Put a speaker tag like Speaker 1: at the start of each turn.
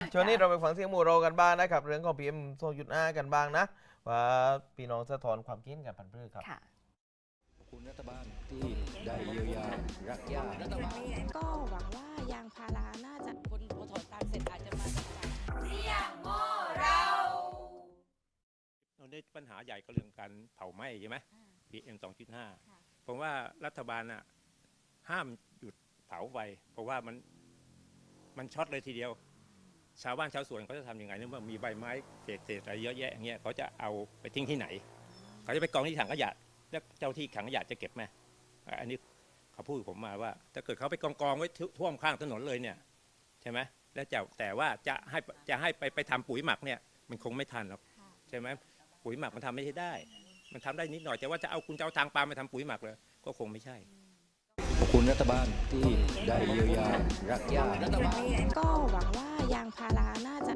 Speaker 1: ช่วงนี้เราไปฟังเสียงหมู่เรากันบ้างนะครับเรื่องของ PM 2.5กันบ้างนะว่าพี่น้องสะท้อนความคิดกันพันธุ์พืชครับ
Speaker 2: ค่ะ
Speaker 3: ขอบคุณรัฐบาลที่ได้เยียวยารักษา
Speaker 4: ก็หวังว่ายางพาราน่าจะคนพอถอนตังเสร็จอาจจะมาจับจ่าย
Speaker 5: เราได้ปัญหาใหญ่ก็เรื่องการเผาไหม้ใช่ไหม PM 2.5ผมว่ารัฐบาลน่ะห้ามหยุดเผาไฟเพราะว่ามันช็อตเลยทีเดียว ชาวบ้านชาวสวนเขาจะทำยังไงเนี่ยเมื่อมีใบไม้เศษอะไรเยอะแยะอย่างเงี้ยเขาจะเอาไปทิ้งที่ไหนเขาจะไปกองที่ถังขยะแล้วเจ้าที่ถังขยะจะเก็บไหมอันนี้เขาพูดกับผมมาว่าถ้าเกิดเขาไปกองไว้ท่วมข้างถนนเลยเนี่ยใช่ไหมแล้วแต่ว่าจะให้ไปทำปุ๋ยหมักเนี่ยมันคงไม่ทันหรอกใช่ไหมปุ๋ยหมักมันทำไม่ได้มันทำได้นิดหน่อยแต่ว่าคุณจะเอาทางปาล์มไปทำปุ๋ยหมักเลยก็คงไม่ใช่
Speaker 3: ขอบคุณรัฐบาลที่ได้เยียวยารักษา
Speaker 4: ก็หวังว่ายางพาราน่าจะ